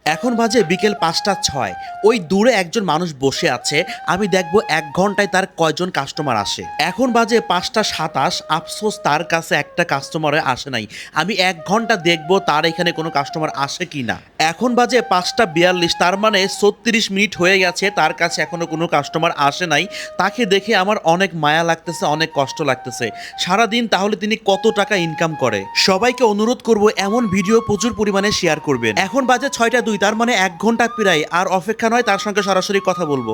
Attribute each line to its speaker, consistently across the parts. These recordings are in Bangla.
Speaker 1: এখন বাজে বিকেল 5টা 6। ওই দূরে একজন মানুষ বসে আছে, আমি দেখবো 1 ঘন্টায় তার কয়জন কাস্টমার আসে। এখন বাজে 5টা 27, আফসোস তার কাছে একটা কাস্টমারে আসে নাই। আমি 1 ঘন্টা দেখবো তার এখানে কোনো কাস্টমার আসে কি না। এখন বাজে 5টা 42, তার মানে 36 মিনিট হয়ে গেছে, তার কাছে এখনো কোনো কাস্টমার আসে নাই। তাকে দেখে আমার অনেক মায়া লাগতেছে, অনেক কষ্ট লাগতেছে। সারাদিন তাহলে তিনি কত টাকা ইনকাম করে। সবাইকে অনুরোধ করব এমন ভিডিও প্রচুর পরিমাণে শেয়ার করবেন। এখন বাজে 6টা 2, তার মানে 1 ঘন্টা প্রায় আর অপেক্ষা নয়, তার সঙ্গে সরাসরি কথা বলবো।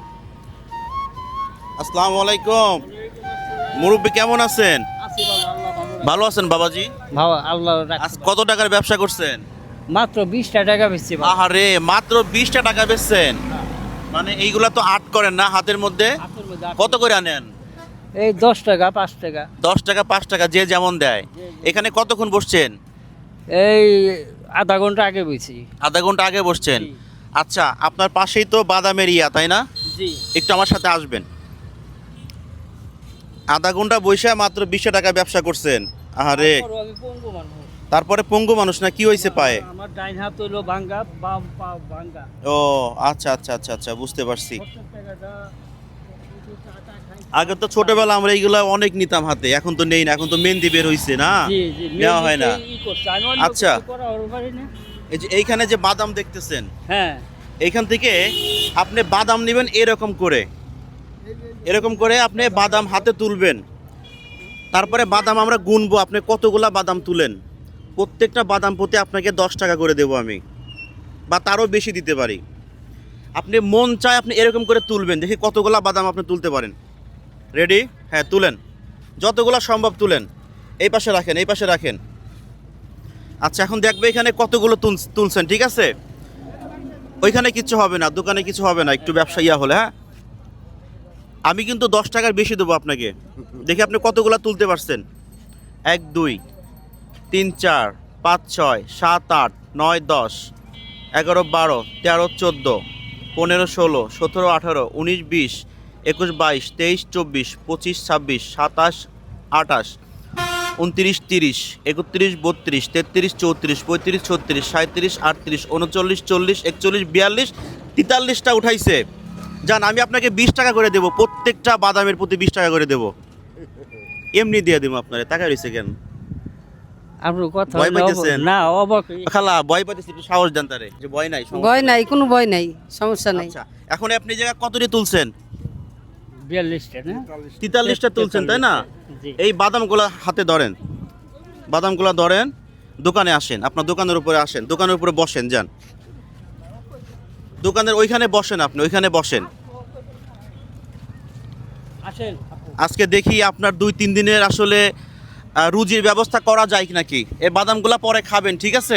Speaker 1: আসসালামু আলাইকুম মুরব্বী, কেমন আছেন?
Speaker 2: আছি বাবা, আল্লাহ ভালো রাখে।
Speaker 1: ভালো আছেন বাবাজি?
Speaker 2: ভালো আল্লাহ রাখে।
Speaker 1: আজ কত টাকার ব্যবসা করছেন?
Speaker 2: মাত্র 20টা টাকা বেচছি বাবা।
Speaker 1: আহারে, মাত্র 20টা টাকা বেচছেন? মানে এইগুলা তো আট করেন না হাতের মধ্যে?
Speaker 2: হাতের মধ্যে
Speaker 1: কত করে আনেন?
Speaker 2: এই 10 টাকা 5 টাকা
Speaker 1: 10 টাকা 5 টাকা যে যেমন দেয়। এখানে কতক্ষণ বসছেন?
Speaker 2: এই আধা ঘন্টা আগে বেচি।
Speaker 1: আধা ঘন্টা আগে বসছেন?
Speaker 2: জি।
Speaker 1: আচ্ছা, আপনার পাশেই তো বাদামের ইয়া, তাই না?
Speaker 2: জি।
Speaker 1: একটু আমার সাথে আসবেন। আধা ঘন্টা বসে মাত্র 20 টাকা ব্যবসা করছেন? আরে,
Speaker 2: তারপরও আমি পঙ্গু মানুষ।
Speaker 1: তারপরে পঙ্গু মানুষ না, কি হয়েছে পায়ে?
Speaker 2: আমার ডাইন হাত হইলো ভাঙ্গা, বাম পা ভাঙ্গা।
Speaker 1: ও আচ্ছা আচ্ছা আচ্ছা আচ্ছা, বুঝতে পারছি।
Speaker 2: 70 টাকাটা কিছু টাকা খাই।
Speaker 1: আগে তো ছোটবেলা আমরা এইগুলা অনেক নিতাম হাতে, এখন তো নেই না, এখন তো মেহেন্দি বের হইছে না,
Speaker 2: জি জি
Speaker 1: নেওয়া হয় না।
Speaker 2: ই করছে। আমি অন্য
Speaker 1: আচ্ছা।
Speaker 2: কিছু করা ওর পারি না।
Speaker 1: এই যে এইখানে যে বাদাম দেখতেছেন,
Speaker 2: হ্যাঁ।
Speaker 1: এইখান থেকে আপনি বাদাম নেবেন এরকম করে, এরকম করে আপনি বাদাম হাতে তুলবেন। তারপরে বাদাম আমরা গুনবো, আপনি কতগুলা বাদাম তুলেন। প্রত্যেকটা বাদাম প্রতি আপনাকে 10 টাকা করে দেবো আমি, বা তারও বেশি দিতে পারি। আপনি মন চায় আপনি এরকম করে তুলবেন, দেখি কতগুলা বাদাম আপনি তুলতে পারেন। রেডি? হ্যাঁ, তুলেন, যতগুলা সম্ভব তুলেন। এই পাশে রাখেন, এই পাশে রাখেন। আচ্ছা, এখন দেখবে এখানে কতগুলো তুলছেন, ঠিক আছে? ওইখানে কিছু হবে না, দোকানে কিছু হবে না, একটু ব্যবসা ইয়া হলে। হ্যাঁ, আমি কিন্তু 10 টাকার বেশি দেবো আপনাকে। দেখি আপনি কতগুলা তুলতে পারছেন। 1 2 3 4 5 6 7 8 9 10 11 12 13 14 15 16 17 18 19 20 21 22 23 24 25 26 27 28 29 30 31 32 33 34 35 36 37 38 39 40 41 42 43টা উঠাইছে। জান, আমি আপনাকে 20 টাকা করে দেবো, প্রত্যেকটা বাদামের প্রতি 20 টাকা করে দেবো। এমনি দিয়ে দেবো আপনারে, টাকা রয়েছে কেন?
Speaker 2: আপনার কথা
Speaker 1: ভয়
Speaker 2: হইলো
Speaker 1: পাইতেছেন?
Speaker 2: না অবাক।
Speaker 1: খালা ভয় পাইতেছি, একটু সাহস দেন তারে, যে ভয় নাই, সমস্যা
Speaker 3: ভয় নাই, কোনো ভয় নাই, সমস্যা নাই।
Speaker 1: আচ্ছা, এখন আপনি এই জায়গা কতটি তুলছেন?
Speaker 2: 42টা না?
Speaker 1: 43টা তুলছেন, তাই না?
Speaker 2: জি।
Speaker 1: এই বাদামগুলা হাতে ধরেন, বাদামগুলা ধরেন, দোকানে আসেন, আপনার দোকানের উপরে আসেন, দোকানের উপরে বসেন, যান দোকানের ওইখানে বসেন, আপনি ওইখানে বসেন।
Speaker 2: আসেন।
Speaker 1: আজকে দেখি আপনার 2-3 দিনের আসলে রুজির ব্যবস্থা করা যায় নাকি। এই বাদামগুলা পরে খাবেন, ঠিক আছে?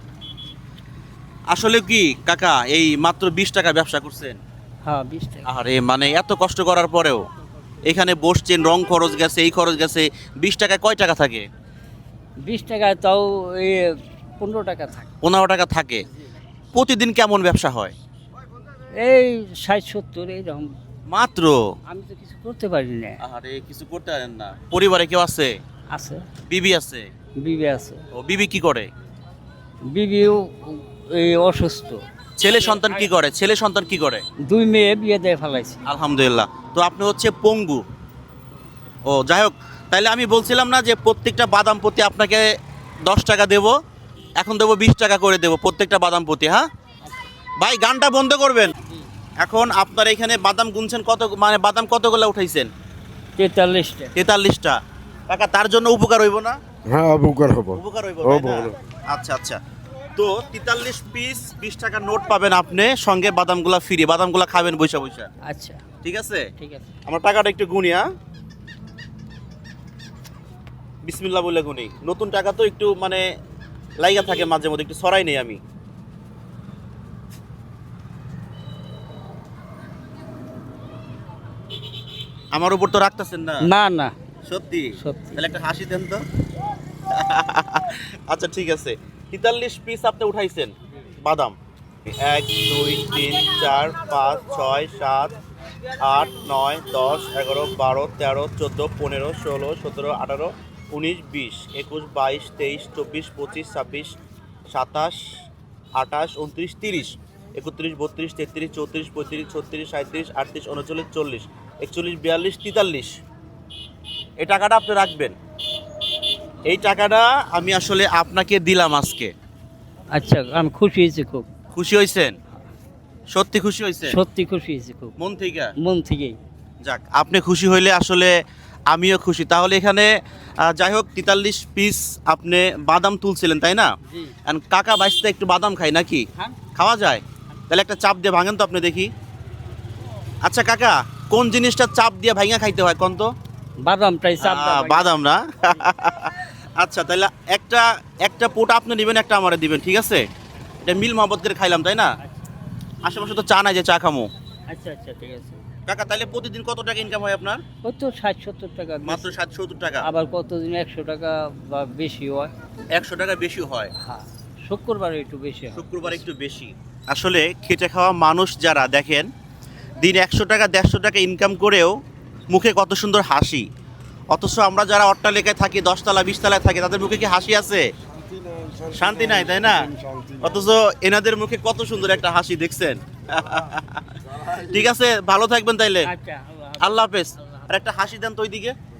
Speaker 1: আসলে কি কাকা, এই মাত্র 20 টাকা ব্যবসা করছেন?
Speaker 2: হ্যাঁ 20 টাকা।
Speaker 1: আরে, মানে এত কষ্ট করার পরেও এখানে বসছেন, রং খরচ গেছে, এই খরচ গেছে, 20 টাকায় কয় টাকা থাকে?
Speaker 2: 20 টাকায় তাও এই 15 টাকা থাকে।
Speaker 1: 15 টাকা থাকে। প্রতিদিন কেমন ব্যবসা হয়?
Speaker 2: এই 60-70 এইরকম।
Speaker 1: মাত্র?
Speaker 2: আমি তো কিছু করতে পারি না।
Speaker 1: আরে, কিছু করতে পারেন না? পরিবারে কেউ আছে?
Speaker 2: আছে,
Speaker 1: বিবি আছে?
Speaker 2: বিবি আছে।
Speaker 1: ও, বিবি কি করে?
Speaker 2: বিবিও এই অসুস্থ।
Speaker 1: ছেলে সন্তান কি করে? ছেলে সন্তান কি করে?
Speaker 2: 2 মেয়ে বিয়ে দিয়ে ফেলাইছে।
Speaker 1: আলহামদুলিল্লাহ। তো আপনি হচ্ছে পঙ্গু। ও যাই হোক, তাইলে আমি বলছিলাম না যে প্রত্যেকটা বাদাম প্রতি আপনাকে 10 টাকা দেব, এখন দেবো 20 টাকা করে দেবো প্রত্যেকটা বাদাম প্রতি। হ্যাঁ ভাই, গানটা বন্ধ করবেন। এখন আপনার এখানে বাদাম গুনছেন কত, মানে বাদাম কতগুলো উঠাইছেন?
Speaker 2: 43টা।
Speaker 1: 43টা। কাকা, তার জন্য উপকার হইব না?
Speaker 4: হ্যাঁ, উপকার হবো।
Speaker 1: উপকার হইব,
Speaker 4: হবো,
Speaker 1: তাই না?
Speaker 4: হবো।
Speaker 1: আচ্ছা আচ্ছা। তো 43 পিস 20 টাকার নোট পাবেন আপনি, সঙ্গে বাদামগুলা ফ্রি। বাদামগুলা খাবেন বৈশা বৈশা,
Speaker 2: আচ্ছা
Speaker 1: ঠিক আছে?
Speaker 2: ঠিক আছে।
Speaker 1: আমার টাকাটা একটু গুনি। হ্যাঁ, বিসমিল্লাহ বলে গুনি। নতুন টাকা তো একটু মানে লাইগা থাকে মাঝে মধ্যে, একটু সরাই নেই আমি। আমার উপর তো রাখতেছেন না?
Speaker 2: না না
Speaker 1: সত্যি?
Speaker 2: সত্যি।
Speaker 1: তাহলে একটা হাসি দেন তো। আচ্ছা ঠিক আছে, 43 পিস আপনি উঠাইছেন বাদাম। 1 2 3 4 5 6 7 8 9 10 11 12 13 14 15 16 17 18 19 20 21 22 23 24 25 26 27 28, 29, 30, 31, 32, 33, 34, 35, 36, 37, 38, 39, 40, 41, 42, 43। এই টাকাটা আপনি রাখবেন। এই টাকাটা আমি আসলে আপনাকে দিলাম আজকে।
Speaker 2: আচ্ছা, আমি খুশি হয়েছি খুব,
Speaker 1: খুশি হয়েছেন? সত্যি খুশি হয়েছেন?
Speaker 2: সত্যি খুশি হয়েছি খুব,
Speaker 1: মন থেকে?
Speaker 2: মন থেকেই।
Speaker 1: যাক, আপনি খুশি হইলে আসলে আমিও খুশি। তাহলে এখানে যাই হোক 43 পিস আপনি বাদাম তুলছিলেন, তাই না?
Speaker 2: জি।
Speaker 1: And কাকা বাইসতে একটু বাদাম খাই নাকি?
Speaker 2: হ্যাঁ।
Speaker 1: খাওয়া যায়? তাহলে একটা চাপ দিয়ে ভাঙেন তো আপনি দেখি। আচ্ছা কাকা, কোন জিনিসটা চাপ দিয়ে ভাঙা খাইতে হয় কোন তো?
Speaker 2: বাদামটাই চাপ দাও।
Speaker 1: বাদাম না? আচ্ছা, তাহলে একটা পোট আপনি দিবেন, একটা আমারে দিবেন, ঠিক আছে? এটা মিল মহব্বত করে খাইলাম, তাই না? আশেপাশে তো চা নাই যে চা খামো।
Speaker 2: আচ্ছা আচ্ছা, ঠিক আছে।
Speaker 1: কাকা, তাহলে প্রতিদিন কত টাকা ইনকাম হয় আপনার?
Speaker 2: ওই তো 60-70 টাকা,
Speaker 1: মাত্র 60-70 টাকা।
Speaker 2: আবার কতদিন 100 টাকা বা বেশি হয়।
Speaker 1: 100 টাকা বেশি হয়।
Speaker 2: হ্যাঁ, শুক্রবারে একটু বেশি হয়।
Speaker 1: শুক্রবার একটু বেশি। আসলে খেটে খাওয়া মানুষ যারা দেখেন, দিন 100 টাকা 150 টাকা ইনকাম করেও মুখে কত সুন্দর হাসি। অথচ আমরা যারা অট্টালিকায় থাকি, 10 তলা 20 তলায় থাকি, তাদের মুখে কি হাসি আছে? শান্তি নাই, তাই না? অথচ এনাদের মুখে কত সুন্দর একটা হাসি, দেখছেন? ঠিক আছে, ভালো থাকবেন তাইলে।
Speaker 2: আচ্ছা,
Speaker 1: আল্লাহ হাফেজ। আর একটা হাসি দেন তো ওইদিকে।